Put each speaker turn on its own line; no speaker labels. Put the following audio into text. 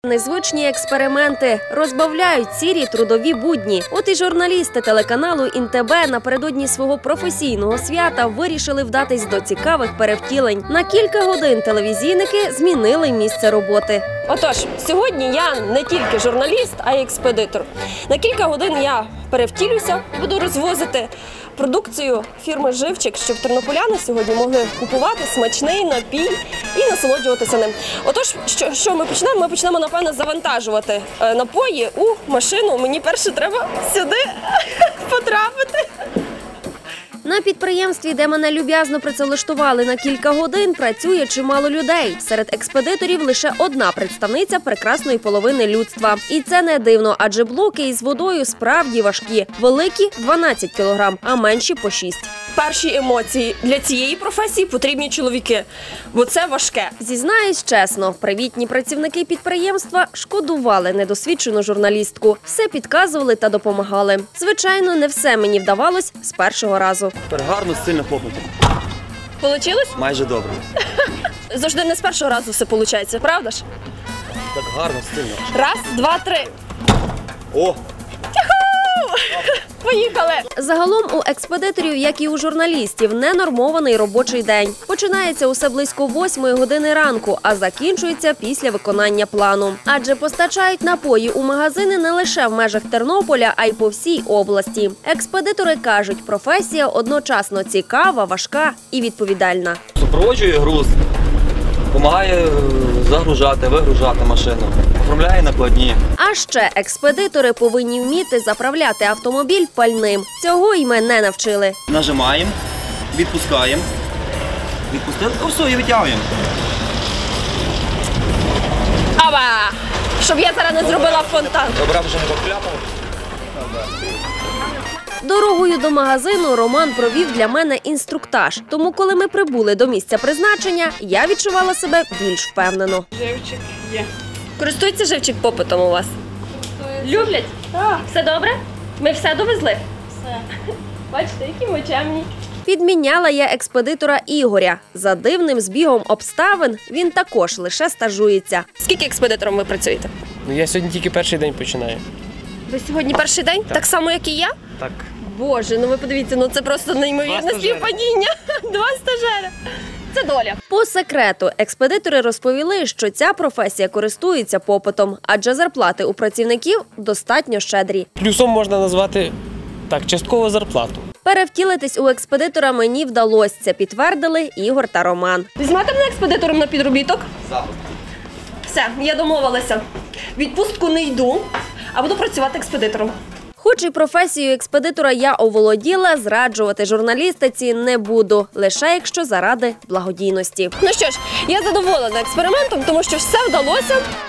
Незвичні експерименти розбавляють сірі трудові будні. От і журналісти телеканалу ІНТБ напередодні свого професійного свята вирішили вдатись до цікавих перевтілень. На кілька годин телевізійники змінили місце роботи. Отож, сьогодні я не тільки журналіст, а й експедитор. На кілька годин я перевтілюся і буду розвозити продукцію фірми «Живчик», щоб тернополяни сьогодні могли купувати смачний напій і насолоджуватися ним. Отож, що ми почнемо? Ми почнемо, напевно, завантажувати напої у машину. Мені перше треба сюди потрапити. На підприємстві, де мене люб'язно працевлаштували на кілька годин, працює чимало людей. Серед експедиторів лише одна представниця прекрасної половини людства. І це не дивно, адже блоки із водою справді важкі. Великі – 12 кілограм, а менші – по 6. Перші емоції. Для цієї професії потрібні чоловіки, бо це важке. Зізнаюсь чесно, привітні працівники підприємства шкодували недосвідчену журналістку. Все підказували та допомагали. Звичайно, не все мені вдавалось з першого разу.
Тепер гарно, сильно хлопнути.
Получилось?
Майже добре.
Завжди не з першого разу все виходить, правда ж?
Так гарно, сильно.
Раз, два, три.
О!
Поїхали! Загалом у експедиторів, як і у журналістів, ненормований робочий день. Починається усе близько 8 години ранку, а закінчується після виконання плану. Адже постачають напої у магазини не лише в межах Тернополя, а й по всій області. Експедитори кажуть, професія одночасно цікава, важка і відповідальна.
Супроводжує груз, допомагає загружати, вигружати машину, оформляє накладні.
А ще експедитори повинні вміти заправляти автомобіль пальним. Цього й ми не навчили.
Нажимаємо, відпускаємо, відпустили, то все, і витягуємо.
Аба! Щоб я зараз не зробила фонтан.
Добре, що не покляпав.
Дорогою до магазину Роман провів для мене інструктаж. Тому, коли ми прибули до місця призначення, я відчувала себе більш впевнено.
Живчик є.
Користується живчик попитом у вас? Люблять?
Так.
Все добре? Ми все довезли?
Все.
Бачите, які ми чемні. Підміняла я експедитора Ігоря. За дивним збігом обставин він також лише стажується. Скільки експедитором ви працюєте?
Ну, я сьогодні тільки перший день починаю.
Ви сьогодні перший день? Так само, як і я?
Так.
Боже, ну ви подивіться, ну це просто неймовірне співпадіння. Два стажери. Це доля. По секрету, експедитори розповіли, що ця професія користується попитом, адже зарплати у працівників достатньо щедрі.
Плюсом можна назвати так, часткову зарплату.
Перевтілитись у експедитора мені вдалося, це підтвердили Ігор та Роман. Візьмете мене експедитором на підробіток?
Запит.
Все, я домовилася. Відпустку не йду, а буду працювати експедитором. Хоч і професію експедитора я оволоділа, зраджувати журналістиці не буду, лише якщо заради благодійності. Ну що ж, я задоволена експериментом, тому що все вдалося.